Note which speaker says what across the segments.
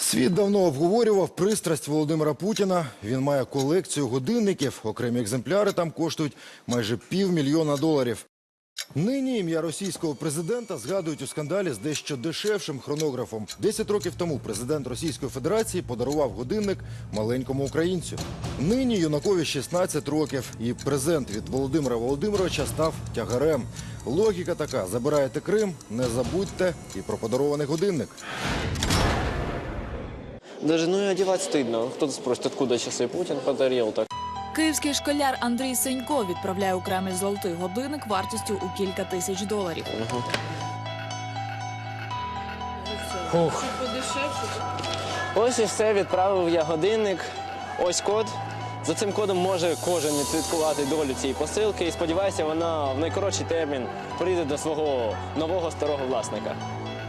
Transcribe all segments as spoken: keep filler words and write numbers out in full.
Speaker 1: Світ давно обговорював пристрасть Володимира Путіна. Він має колекцію годинників. Окремі екземпляри там коштують майже півмільйона доларів. Нині ім'я російського президента згадують у скандалі з дещо дешевшим хронографом. Десять років тому президент Російської Федерації подарував годинник маленькому українцю. Нині юнакові шістнадцять років, і презент від Володимира Володимировича став тягарем. Логіка така: забираєте Крим, не забудьте і про подарований годинник.
Speaker 2: Даже ну и одевать стыдно. Кто-то спросит, откуда часы Путин подарил так.
Speaker 3: Київський школяр Андрій Сенько відправляє у Кремль золотий годинник вартістю у кілька тисяч доларів.
Speaker 2: Угу. Фух. Ось і все, відправив я годинник. Ось код. За цим кодом може кожен відслідкувати долю цієї посилки. І сподіваюся, вона в найкоротший термін прийде до свого нового старого власника.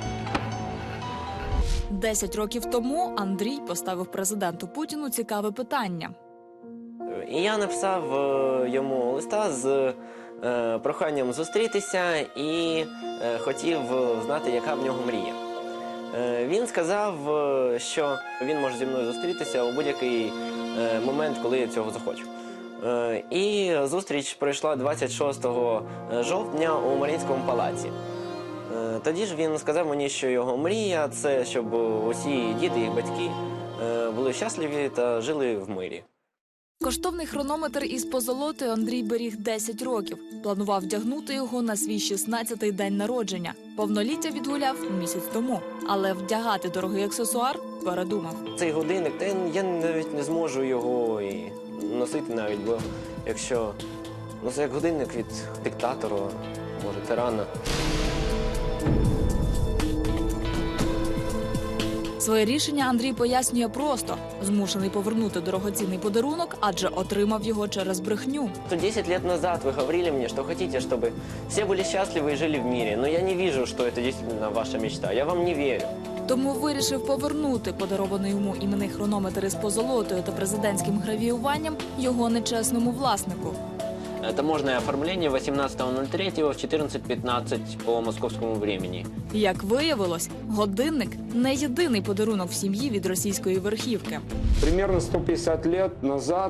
Speaker 3: Десять років тому Андрій поставив президенту Путіну цікаве питання.
Speaker 2: І я написав йому листа з е, проханням зустрітися і е, хотів знати, яка в нього мрія. Е, він сказав, що він може зі мною зустрітися у будь-який е, момент, коли я цього захочу. Е, і зустріч пройшла двадцять шостого жовтня у Маріїнському палаці. Е, тоді ж він сказав мені, що його мрія – це щоб усі діти і батьки е, були щасливі та жили в мирі.
Speaker 3: Коштовний хронометр із позолотою Андрій беріг десять років. Планував вдягнути його на свій шістнадцятий день народження. Повноліття відгуляв місяць тому. Але вдягати дорогий аксесуар передумав.
Speaker 2: Цей годинник, та я навіть не зможу його і носити навіть, бо якщо... Ну, це як годинник від диктатора, може, тирана.
Speaker 3: Своє рішення Андрій пояснює просто. Змушений повернути дорогоцінний подарунок, адже отримав його через брехню.
Speaker 2: десять лет назад вы говорили мне, что хотите, чтобы все были счастливы и жили в мире. Но я не вижу, что это действительно ваша мечта. Я вам не верю.
Speaker 3: Тому вирішив повернути подарований йому іменний хронометр із позолотою та президентським гравіюванням його нечесному власнику.
Speaker 2: Это можное оформление восемнадцатого ноль третьего в чотирнадцять п'ятнадцять по московському времени.
Speaker 3: Як виявилось, годинник – не єдиний подарунок в сім'ї від російської верхівки.
Speaker 4: Примерно сто пятьдесят лет назад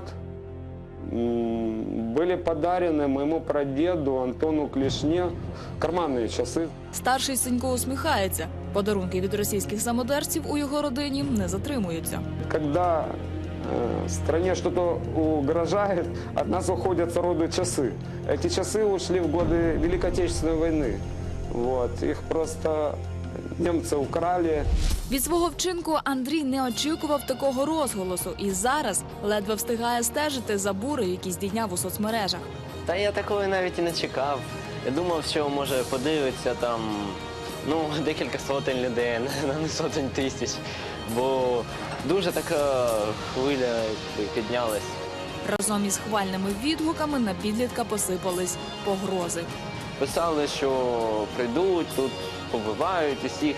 Speaker 4: были подарены моему прадеду Антону Клешне карманные часы.
Speaker 3: Старший Сенько усміхається. Подарунки від російських самодержців у його родині не затримуються.
Speaker 4: Когда э, стране что-то угрожает, от нас уходят роду часы. Эти часы ушли в годы Великой Отечественной войны. Вот. Их просто немцы украли.
Speaker 3: Від свого вчинку Андрій не очікував такого розголосу і зараз ледве встигає стежити за бурею, які здійняв у соцмережах.
Speaker 2: Та я такої навіть і не чекав. Я думав, що може подивиться там, ну, декілька сотень людей, не сотень тисяч. Бо дуже така хвиля піднялась.
Speaker 3: Разом із хвальними відгуками на підлітка посипались погрози.
Speaker 2: Писали, що прийдуть, тут побивають усіх.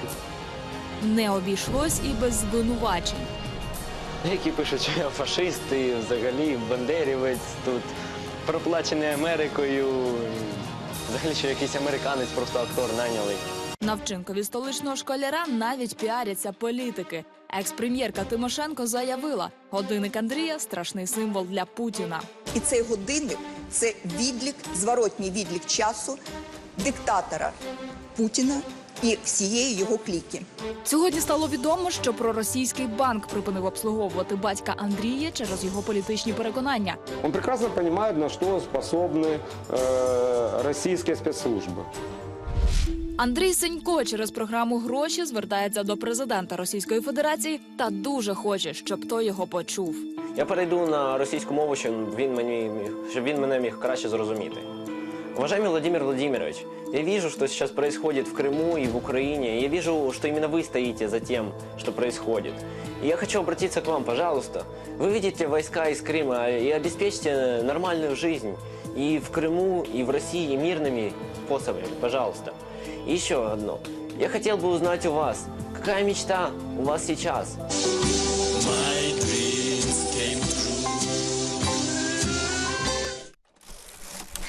Speaker 3: Не обійшлось і без звинувачень.
Speaker 2: Які пишуть, що я фашист і взагалі бандерівець, тут проплачений Америкою. Взагалі, що якийсь американець, просто актор найняли.
Speaker 3: На вчинкові столичного школяра навіть піаряться політики. Екс-прем'єрка Тимошенко заявила, годинник Андрія – страшний символ для Путіна.
Speaker 5: І цей годинник – це відлік, зворотній відлік часу диктатора Путіна і всієї його кліки.
Speaker 3: Сьогодні стало відомо, що проросійський банк припинив обслуговувати батька Андрія через його політичні переконання.
Speaker 4: Он прекрасно понимает, на что способны э, российские спецслужбы.
Speaker 3: Андрій Сенько через програму «Гроші» звертається до президента Російської Федерації та дуже хоче, щоб той його почув.
Speaker 2: Я перейду на російську мову, щоб він, мені, щоб він мене міг краще зрозуміти. Уважаемый Владимир Владимирович, я вижу, что сейчас происходит в Крыму и в Украине. Я вижу, что именно вы стоите за тем, что происходит. И я хочу обратиться к вам, пожалуйста. Выведите войска из Крыма и обеспечьте нормальную жизнь и в Крыму, и в России мирными способами, пожалуйста. И еще одно. Я хотел бы узнать у вас, какая мечта у вас сейчас?